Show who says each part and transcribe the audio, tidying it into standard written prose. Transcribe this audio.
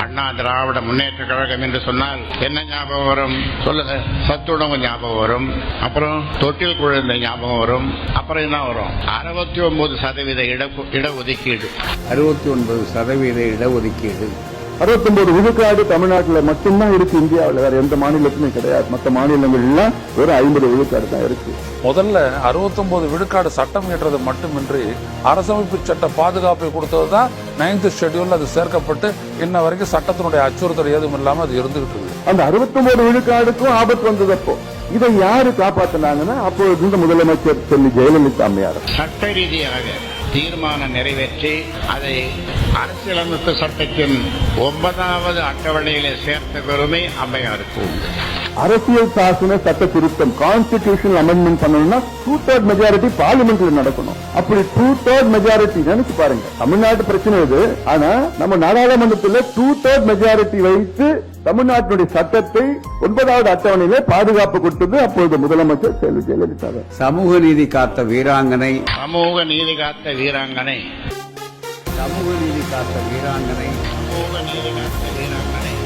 Speaker 1: அண்ணா திராவிட முன்னேற்ற கழகம் என்று சொன்னால் என்ன ஞாபகம் வரும் சொல்லுங்க? சத்துணவு ஞாபகம் வரும், அப்புறம் தொட்டில் குழந்தை ஞாபகம் வரும், அப்புறம் என்ன வரும்? 69% இடஒதுக்கீடு.
Speaker 2: 69% இடஒதுக்கீடு. 69 விழுக்காடு தமிழ்நாட்டில் மட்டும்தான் இருக்கு. இந்தியாவில் வேற எந்த மாநிலத்திலும் கிடையாது. மற்ற மாநிலங்கள் எல்லாம் ஒரு 50 விழுக்காடு தான் இருக்கு.
Speaker 3: முதல்ல 69 விழுக்காடு சட்டம் இயற்றது மட்டுமின்றி அரசமைப்பு சட்ட பாதுகாப்பை கொடுத்ததுதான் 9th ஷெட்யூல். அது சேர்க்கப்பட்டு இன்ன வரைக்கும் சட்டத்தினுடைய அச்சுறுத்தல் ஏதும் இல்லாம அது இருந்துகிட்டு இருக்கு.
Speaker 2: அந்த 69 விழுக்காடுக்கும் ஆபத்து வந்ததப்போ இதை யாரு காப்பாத்தினாங்கன்னா அப்பொழுது இந்த முதலமைச்சர் செல்வி ஜெயலலிதா அம்மையார்
Speaker 1: சட்ட ரீதியாக தீர்மானம் நிறைவேற்றி அதை அரசியலமைப்பு சட்டத்தின் 9வது அட்டவணையிலே சேர்த்த பெருமை அம்மையாருக்கு உண்டு.
Speaker 2: அரசியல் சாசன சட்ட திருத்தம் கான்ஸ்டிடியூஷனல் அமெண்ட்மெண்ட் பண்ணணும்னா 2/3 மெஜாரிட்டி பார்லிமெண்ட்ல நடக்கணும். அப்படி 2/3 மெஜாரிட்டி நினைச்சு பாருங்க. தமிழ்நாட்டு பிரச்சனை இது. ஆனா நம்ம நாடாளுமன்றத்தில் 2/3 மெஜாரிட்டி வைத்து தமிழ்நாட்டினுடைய சட்டத்தை 9வது அட்டவணையிலே பாதுகாப்பு கொடுத்தது அப்பொழுது முதலமைச்சர் செல்வி ஜெயலலிதா.
Speaker 4: சமூக நீதி காத்த வீராங்கனை,
Speaker 1: சமூக நீதி காத்த வீராங்கனை,
Speaker 4: சமூக நீதி காத்த வீராங்கனை,
Speaker 1: சமூக நீதி காத்த வீராங்கனை.